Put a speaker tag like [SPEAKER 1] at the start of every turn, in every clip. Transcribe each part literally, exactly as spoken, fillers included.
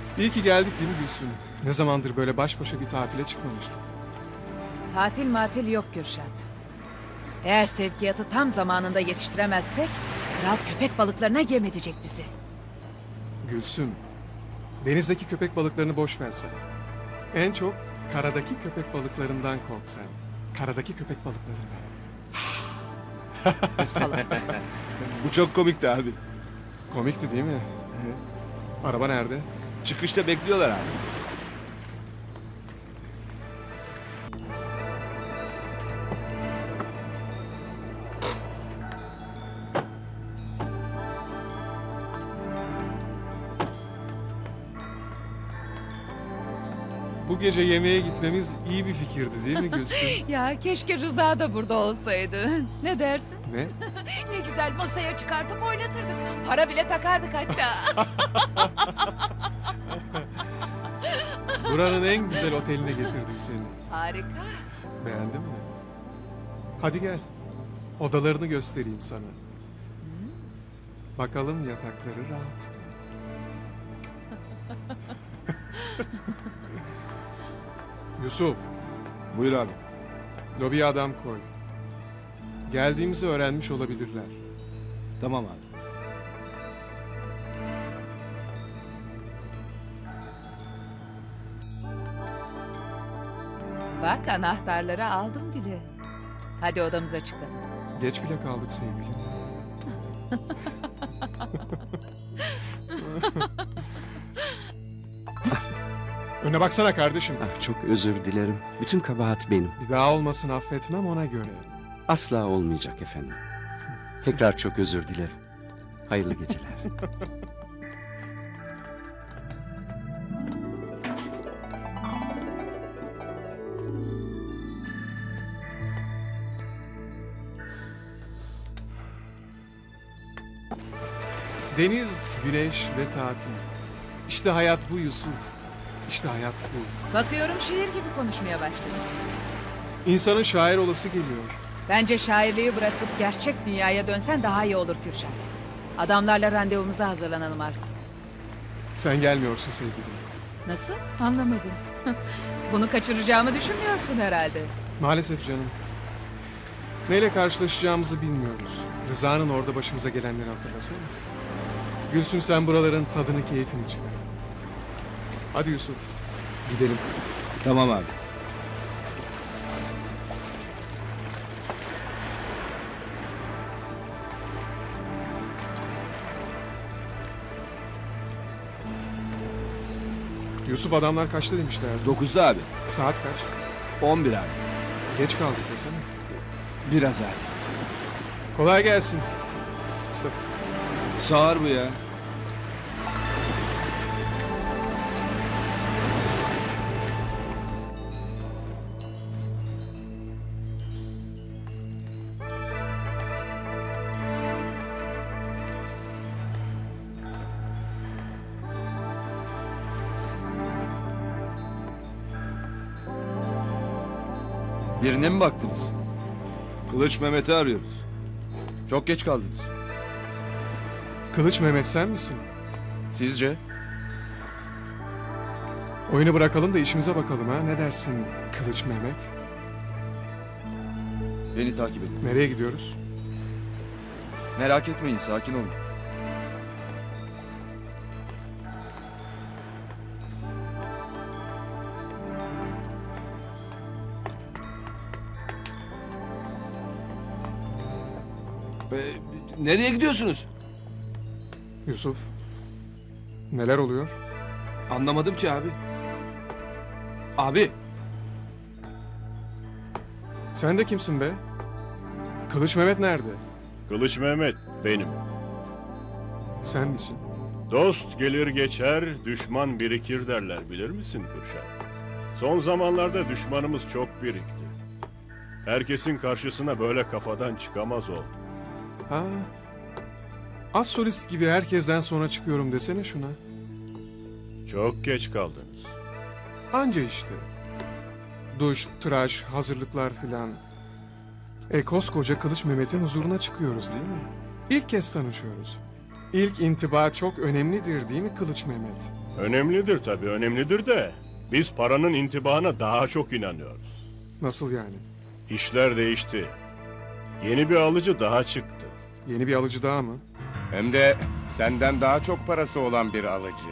[SPEAKER 1] İyi ki geldik değil mi Gülsüm? Ne zamandır böyle baş başa bir tatile çıkmamıştık.
[SPEAKER 2] Tatil matil yok Kürşat. Eğer sevkiyatı tam zamanında yetiştiremezsek... ...kral köpek balıklarına yem edecek bizi.
[SPEAKER 1] Gülsüm, denizdeki köpek balıklarını boş ver sen. En çok karadaki köpek balıklarından kork sen. Karadaki köpek balıklarından.
[SPEAKER 2] Salak.
[SPEAKER 3] Bu çok komikti abi.
[SPEAKER 1] Komikti değil mi? Araba nerede?
[SPEAKER 3] Çıkışta bekliyorlar abi.
[SPEAKER 1] Bu gece yemeğe gitmemiz iyi bir fikirdi değil mi Gülsüm?
[SPEAKER 2] Ya keşke Rıza da burada olsaydı. Ne dersin?
[SPEAKER 1] Ne?
[SPEAKER 2] Ne güzel masaya çıkartıp oynatırdık. Para bile takardık hatta.
[SPEAKER 1] Buranın en güzel oteline getirdim seni.
[SPEAKER 2] Harika.
[SPEAKER 1] Beğendin mi? Hadi gel. Odalarını göstereyim sana. Bakalım yatakları rahat mı? Yusuf,
[SPEAKER 3] Buyur abi.
[SPEAKER 1] lobiye adam koy. Geldiğimizi öğrenmiş olabilirler.
[SPEAKER 3] Tamam abi.
[SPEAKER 2] Bak anahtarları aldım bile. Hadi odamıza çıkalım.
[SPEAKER 1] Geç bile kaldık sevgilim. Öne baksana kardeşim.
[SPEAKER 4] Ah, çok özür dilerim. Bütün kabahat benim.
[SPEAKER 1] Bir daha olmasın affetmem ona göre.
[SPEAKER 4] Asla olmayacak efendim. Tekrar çok özür dilerim. Hayırlı geceler.
[SPEAKER 1] Deniz, güneş ve tatil. İşte hayat bu Yusuf. İşte hayat bu.
[SPEAKER 2] Bakıyorum şiir gibi konuşmaya başladın.
[SPEAKER 1] İnsanın şair olası geliyor.
[SPEAKER 2] Bence şairliği bırakıp gerçek dünyaya dönsen daha iyi olur Kürşat. Adamlarla randevumuza hazırlanalım artık.
[SPEAKER 1] Sen gelmiyorsun sevgilim.
[SPEAKER 2] Nasıl? Anlamadım. Bunu kaçıracağımı düşünmüyorsun herhalde.
[SPEAKER 1] Maalesef canım. Neyle karşılaşacağımızı bilmiyoruz. Rıza'nın orada başımıza gelenleri hatırlasana. Gülsüm sen buraların tadını keyfini çıkar. Hadi Yusuf. Gidelim.
[SPEAKER 3] Tamam abi.
[SPEAKER 1] Yusuf adamlar kaçta demişlerdi?
[SPEAKER 3] Dokuzda abi.
[SPEAKER 1] Saat kaç?
[SPEAKER 3] On bir abi.
[SPEAKER 1] Geç kaldık desene.
[SPEAKER 3] Biraz abi.
[SPEAKER 1] Kolay gelsin.
[SPEAKER 3] Sağır bu ya. Birine mi baktınız? Kılıç Mehmet'i arıyoruz. Çok geç kaldınız.
[SPEAKER 1] Kılıç Mehmet sen misin?
[SPEAKER 3] Sizce?
[SPEAKER 1] Oyunu bırakalım da işimize bakalım ha. Ne dersin Kılıç Mehmet?
[SPEAKER 5] Beni takip edin.
[SPEAKER 1] Nereye gidiyoruz?
[SPEAKER 5] Merak etmeyin, sakin olun.
[SPEAKER 3] Ee, nereye gidiyorsunuz?
[SPEAKER 1] Yusuf. Neler oluyor?
[SPEAKER 3] Anlamadım ki abi. Abi.
[SPEAKER 1] Sen de kimsin be? Kılıç Mehmet nerede?
[SPEAKER 6] Kılıç Mehmet benim.
[SPEAKER 1] Sen misin?
[SPEAKER 6] Dost gelir geçer, düşman birikir derler, bilir misin Kürşat? Son zamanlarda düşmanımız çok birikti. Herkesin karşısına böyle kafadan çıkamaz oldu.
[SPEAKER 1] Ha. Az solist gibi herkesten sonra çıkıyorum desene şuna.
[SPEAKER 6] Çok geç kaldınız.
[SPEAKER 1] Anca işte. Duş, tıraş, hazırlıklar filan. E koskoca Kılıç Mehmet'in huzuruna çıkıyoruz değil mi? İlk kez tanışıyoruz. İlk intiba çok önemlidir değil mi Kılıç Mehmet?
[SPEAKER 6] Önemlidir tabii, önemlidir de biz paranın intibahına daha çok inanıyoruz.
[SPEAKER 1] Nasıl yani?
[SPEAKER 6] İşler değişti. Yeni bir alıcı daha çıktı.
[SPEAKER 1] Yeni bir alıcı daha mı?
[SPEAKER 7] Hem de senden daha çok parası olan bir alıcı.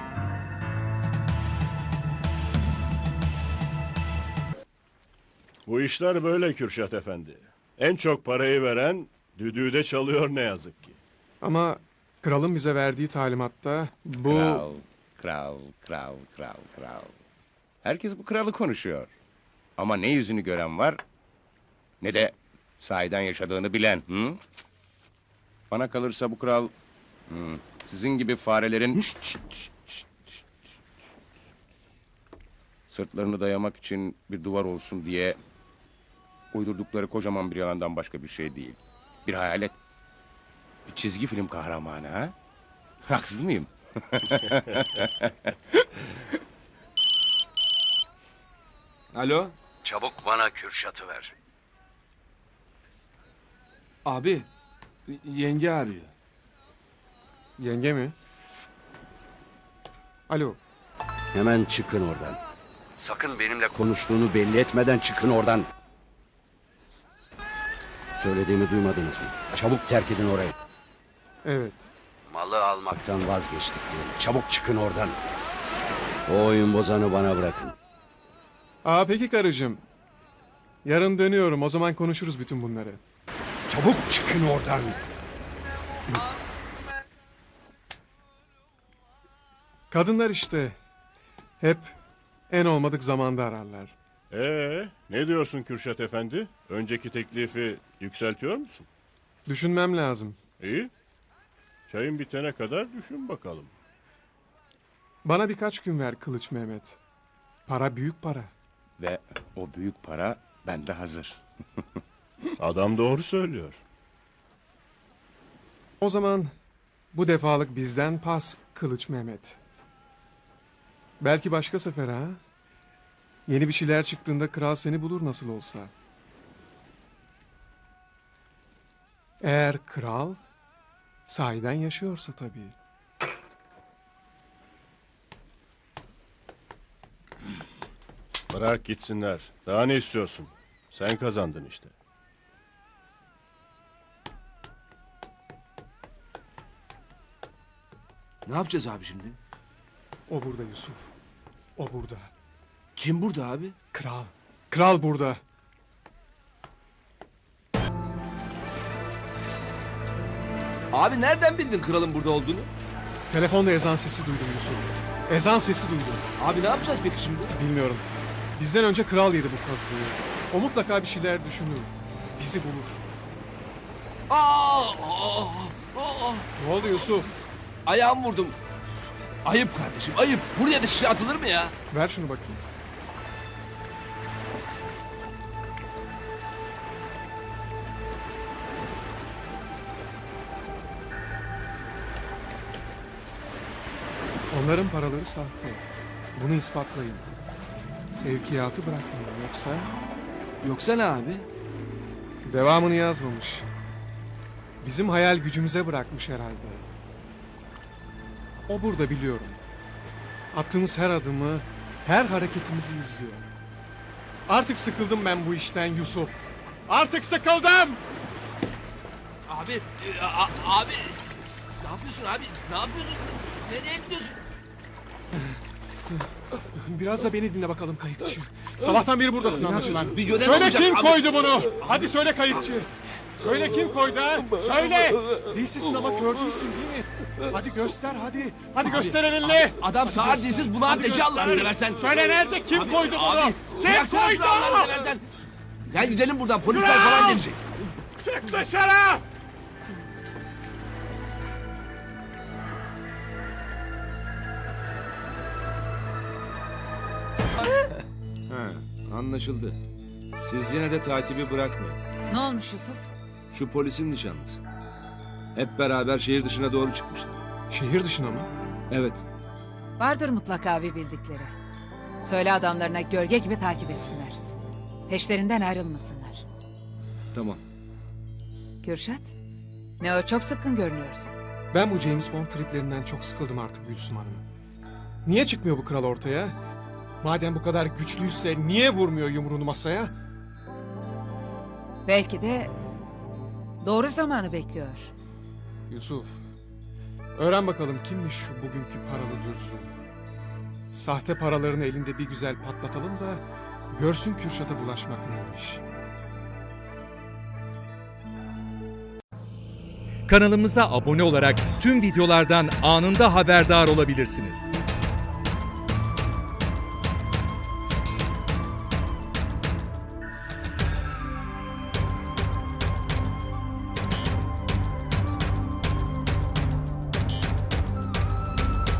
[SPEAKER 6] Bu işler böyle Kürşat Efendi. En çok parayı veren düdüğü de çalıyor ne yazık ki.
[SPEAKER 1] Ama kralın bize verdiği talimatta bu...
[SPEAKER 7] Kral, kral, kral, kral, kral. Herkes bu kralı konuşuyor. Ama ne yüzünü gören var, ne de sahiden yaşadığını bilen. Hı? Bana kalırsa bu kral, hı, sizin gibi farelerin şşt, şşt, şşt, şşt, şşt, sırtlarını dayamak için bir duvar olsun diye uydurdukları kocaman bir yalandan başka bir şey değil. Bir hayalet. Bir çizgi film kahramanı ha? Haksız mıyım?
[SPEAKER 5] Alo?
[SPEAKER 4] Çabuk bana Kürşat'ı ver.
[SPEAKER 5] Abi, yenge arıyor.
[SPEAKER 1] Yenge mi? Alo.
[SPEAKER 4] Hemen çıkın oradan. Sakın benimle konuştuğunu belli etmeden çıkın oradan. Söylediğimi duymadınız mı? Çabuk terk edin orayı.
[SPEAKER 1] Evet.
[SPEAKER 4] Malı almaktan vazgeçtik diyorum. Çabuk çıkın oradan. O oyun bozanı bana bırakın.
[SPEAKER 1] Aa peki karıcığım. Yarın dönüyorum. O zaman konuşuruz bütün bunları.
[SPEAKER 4] Çabuk çıkın oradan.
[SPEAKER 1] Kadınlar işte. Hep en olmadık zamanda ararlar.
[SPEAKER 6] Ee, ne diyorsun Kürşat Efendi? Önceki teklifi yükseltiyor musun?
[SPEAKER 1] Düşünmem lazım.
[SPEAKER 6] İyi. Çayın bitene kadar düşün bakalım.
[SPEAKER 1] Bana birkaç gün ver Kılıç Mehmet. Para büyük para.
[SPEAKER 7] Ve o büyük para bende hazır.
[SPEAKER 6] Adam doğru söylüyor.
[SPEAKER 1] O zaman bu defalık bizden pas Kılıç Mehmet. Belki başka sefer ha? Yeni bir şeyler çıktığında kral seni bulur nasıl olsa. Eğer kral sahiden yaşıyorsa tabii.
[SPEAKER 6] Bırak gitsinler. Daha ne istiyorsun? Sen kazandın işte.
[SPEAKER 8] Ne yapacağız abi şimdi?
[SPEAKER 1] O burada Yusuf. O burada.
[SPEAKER 8] Kim burada abi?
[SPEAKER 1] Kral. Kral burada.
[SPEAKER 8] Abi nereden bildin kralın burada olduğunu?
[SPEAKER 1] Telefonda ezan sesi duydum Yusuf. Ezan sesi duydum.
[SPEAKER 8] Abi ne yapacağız peki şimdi?
[SPEAKER 1] Bilmiyorum. Bizden önce kral yedi bu kazıyı. O mutlaka bir şeyler düşünür. Bizi bulur.
[SPEAKER 8] Aa, aa, aa.
[SPEAKER 1] Ne oldu Yusuf?
[SPEAKER 8] Ayağımı vurdum. Ayıp kardeşim ayıp. Buraya da şişe atılır mı ya?
[SPEAKER 1] Ver şunu bakayım. Onların paraları sahte. Bunu ispatlayın. Sevkiyatı bırakmayın yoksa
[SPEAKER 8] Yoksa ne abi?
[SPEAKER 1] devamını yazmamış. Bizim hayal gücümüze bırakmış herhalde. O burada biliyorum. Attığımız her adımı, her hareketimizi izliyor. Artık sıkıldım ben bu işten Yusuf. Artık sıkıldım!
[SPEAKER 8] Abi, e, a- abi. Ne yapıyorsun abi? Ne yapıyorsun? Nereye gidiyorsun?
[SPEAKER 1] Biraz da beni dinle bakalım kayıkçı. Sabahtan beri buradasın anlaşılan.
[SPEAKER 8] Bir görev
[SPEAKER 1] Söyle
[SPEAKER 8] olacak
[SPEAKER 1] kim
[SPEAKER 8] abi.
[SPEAKER 1] koydu bunu? Hadi söyle kayıkçı. Söyle kim koydu ha? Söyle. Dilsizsin ama kör değilsin değil mi? Hadi göster hadi. Hadi göster elinle.
[SPEAKER 8] Adam sağır dilsiz bunu
[SPEAKER 1] Hadi
[SPEAKER 8] ateşe Allah'ını
[SPEAKER 1] göster.
[SPEAKER 8] seversen.
[SPEAKER 1] Söyle nerede kim
[SPEAKER 8] Abi,
[SPEAKER 1] koydu bunu?
[SPEAKER 8] abi,
[SPEAKER 1] Kim
[SPEAKER 8] bıraksana
[SPEAKER 1] koydu?
[SPEAKER 8] şunu Allah'ını seversen. Gel gidelim buradan polisler
[SPEAKER 1] Kral!
[SPEAKER 8] falan gelecek.
[SPEAKER 1] Çık dışarı!
[SPEAKER 5] Ha, anlaşıldı. Siz yine de takibi bırakmayın.
[SPEAKER 2] Ne olmuş Yusuf?
[SPEAKER 5] Şu polisin nişanlısı. Hep beraber şehir dışına doğru çıkmışlar.
[SPEAKER 1] Şehir dışına mı?
[SPEAKER 5] Evet,
[SPEAKER 2] Vardır mutlaka bir bildikleri. Söyle adamlarına gölge gibi takip etsinler. Peşlerinden ayrılmasınlar.
[SPEAKER 5] tamam.
[SPEAKER 2] Kürşat, ne o çok sıkkın görünüyorsun.
[SPEAKER 1] Ben bu James Bond triplerinden çok sıkıldım artık Gülsüm Hanım. Niye çıkmıyor bu kral ortaya? Madem bu kadar güçlüyse niye vurmuyor yumruğunu masaya?
[SPEAKER 2] Belki de doğru zamanı bekliyor.
[SPEAKER 1] Yusuf, öğren bakalım kimmiş şu bugünkü paralı Dursun. Sahte paralarını elinde bir güzel patlatalım da görsün Kürşat'a bulaşmak neymiş.
[SPEAKER 9] Kanalımıza abone olarak tüm videolardan anında haberdar olabilirsiniz.